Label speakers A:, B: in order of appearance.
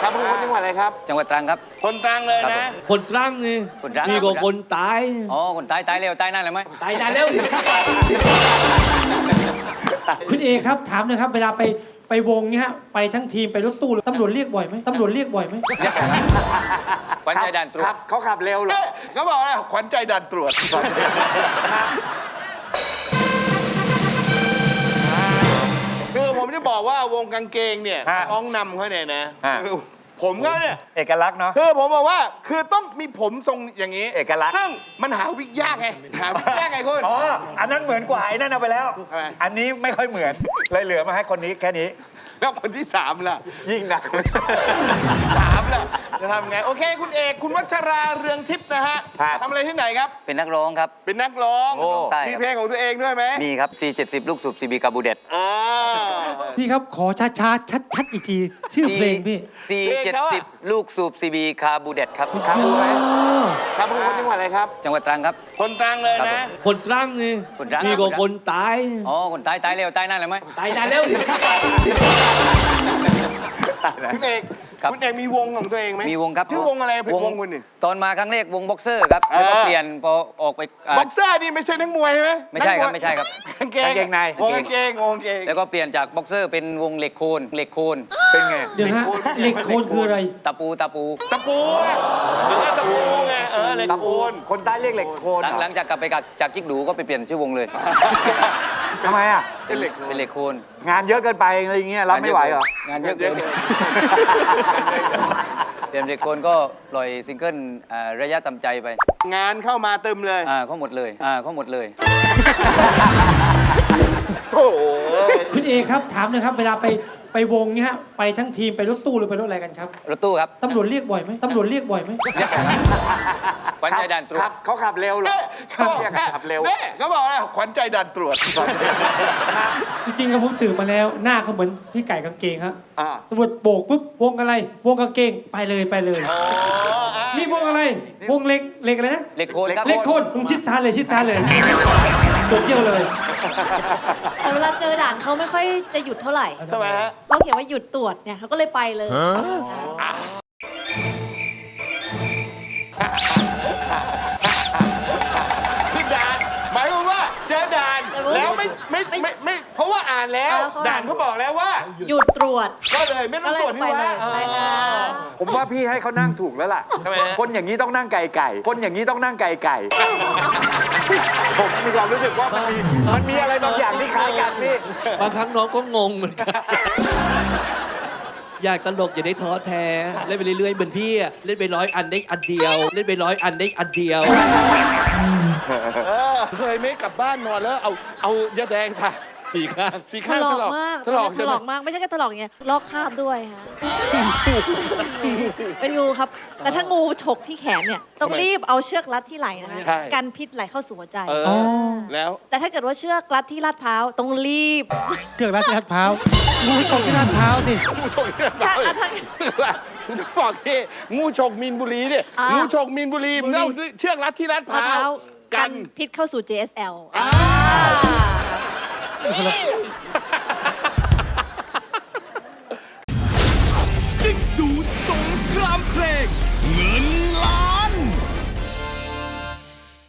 A: ครับเป็นคนจังหวัดอะไรครับ
B: จังหวัดตรังครับ
A: คนตรังเลยนะ
C: คนตรังนี่มีกว่าคนตาย
B: อ๋อคนตายเร็วตายนานเลยไหม
C: ตายนานแล้ว
D: คุณเอครับถามหน่อยครับเวลาไปวงเนี้ยไปทั้งทีมไปรถตู้ตำรวจเรียกบ่อยไหมตำรวจเรียกบ่อยไหม
B: ขวัญใจด่านตรวจ
A: เขาขับเร็วเหรอเขาบอกว่าขวัญใจด่านตรวจคือผมจะบอกว่าวงกางเกงเนี่ยน้องนำเขาเนี่ยนะผมเขาเนี่ย
E: เอกลักษณ์เนาะ
A: คือผมบอกว่าคือต้องมีผมทรงอย่างนี้
E: เอกลักษณ์
A: ซึ่งมันหาวิกยากไงหาวิกยากไงคุณ
E: อ๋ออันนั้นเหมือนกว่าไอ้นั่นเอาไปแล้วอันนี้ไม่ค่อยเหมือนเลยเหลือมาให้คนนี้แค่นี้
A: แล้วคนที่3ล่ะ
E: ยิ่งหนัก
A: 3ล่ะจะทำไงโอเคคุณเอกคุณวัชราเรืองทิพย์นะฮะทำอะไรที่ไหนครับ
B: เป็นนักร้องครับ
A: เป็นนักร้องมีเพลงของตัวเองด้วยไหม
B: มีครับ C70 ลูกสูบ CB คาบูเด็ด
D: พี่ครับขอช้าๆชัดๆอีกทีชื่อเพลงพี่
B: C70 ลูกสูบ CB คาบูเด็ดครับ
A: คาบูไหมครับเป็นคนจังหวัดอะไรครับ
B: จังหวัดตรังครับ
A: คนตรังเลยนะ
C: คนตรังนี่มีกว่าคนตาย
B: อ๋อคนตายเร็วตายนานเลยไหม
C: ตายนานแล้ว
A: คุณเอกมีวงของตัวเองไหม
B: มีวงครับ
A: ชื่อวงอะไรเป็นวงคุณนี่
B: ตอนมาครั้งแรกวงบ็อกเซอร์ครับแล้วก็เปลี่ยนพอออกไป
A: บ็อกเซอร์นี่ไม่ใช่นักมวยใช่ไหม
B: ไม่ใช่ครับไม่ใช่ครับ
A: กางเกงในวงกางเกง
B: แล้วก็เปลี่ยนจากบ็อกเซอร์เป็นวงเหล็กโคน
A: เป็นไง
D: เดี๋ยวฮะเหล็กโคนคืออะไร
B: ตะปู
A: หรือตะปูไงเหล็กโคน
E: คนใต้เรียกเหล็กโคน
B: หลังจากกลับไปจากกิ๊กดูก็ไปเปลี่ยนชื่อวงเลย
E: ทำไมอ่ะ
A: เป็นเหล็ก
B: โคน
E: งานเยอะเกินไปอะไรอย่างเงี้ยรับไม่ไหวเหรอง
B: านเยอะเกินเปลี่ยนเหล็กโคนก็ปล่อยซิงเกิลระยะทำใจไป
A: งานเข้ามาเติมเลย
B: เขาหมดเลย
A: โอ้
D: คุณเอครับถามหน่อยครับเวลาไปวงเนี้ยไปทั้งทีมไปรถตู้หรือไปรถอะไรกันครับ
B: รถตู้ครับ
D: ตำรวจเรียกบ่อยไหมตำรวจเรียกบ่อยไหม
B: ขวัญใจด่านตรวจ
E: เขาขับเร็วเหรอ
A: เขาขับเร็วเขาบอกว่าขวัญใจด่านตรวจ
D: จริงๆผมสืบมาแล้วหน้าเขาเหมือนพี่ไก่กางเกงฮะตำรวจโบกปุ๊บวงอะไรวงกางเกงไปเลยนี่วงอะไรวงเหล็กอะไรนะ
B: เหล็กโคนครับ
D: เหล็กโคนมึงชิดซ้ายเลยตัวเกี่ยวเลย
F: แต่เวลาเจอด่านเขาไม่ค่อยจะหยุดเท่าไหร่
A: ทำไมฮะ
F: เขาเขียนว่าหยุดตรวจเนี่ยเขาก็เลยไปเลย
A: ขึ้นด่านหมายความว่าเจอด่านแล้วไม่เพราะว่าอ่านแล้วด่านเขาบอกแล้วว่า
F: หยุดตรวจ
A: ก็เลยไม่ต้องตรวจนี่ว่า
F: ใช่ค่ะ
E: ผมว่าพี่ให้เขานั่งถูกแล้วล่ะคนอย่างนี้ต้องนั่งไก่คนอย่างนี้ต้องนั่งไก่ผมมีความรู้สึกว่ามันมีอะไรบางอย่างที่คล้ายกันนี่
C: บางครั้งน้องก็งงเหมือนกันอยากตลกอย่าได้ท้อแท้เล่นไปเรื่อยๆเหมือนพี่เล่นไป100 อันได้อันเดียวเล่นไป100 อันได้อันเดียว
A: เคยไม่กลับบ้านนอนแล้วเอายาแดงค่ะ
C: 4 ข้าง
F: ถลอกมากถลอกมากไม่ใช่แค่ถลอกอย่างเงี้ยลอกคราบด้วยค่ะเป็นงูครับแต่ถ้างูฉกที่แขนเนี่ยต้องรีบเอาเชือกรัดที่ไหล่นะคะกันพิษไหลเข้าสู่หัวใจ
A: แล้ว
F: แต่ถ้าเกิดว่าเชือกรัดที่ลาดพร้าวต้องรีบ
D: เชือกรัดที่ลาดพร้าวงูฉกที่ลาดพร้าวสิ
A: งูฉกที่ลาดพร้าวคุณจะบอกที่งูฉกมีนบุรีเนี่ยงูฉกมีนบุรีมันเอาเชือกรัดที่ลาดพร้าว
F: กันพิษเข้าสู่ JSL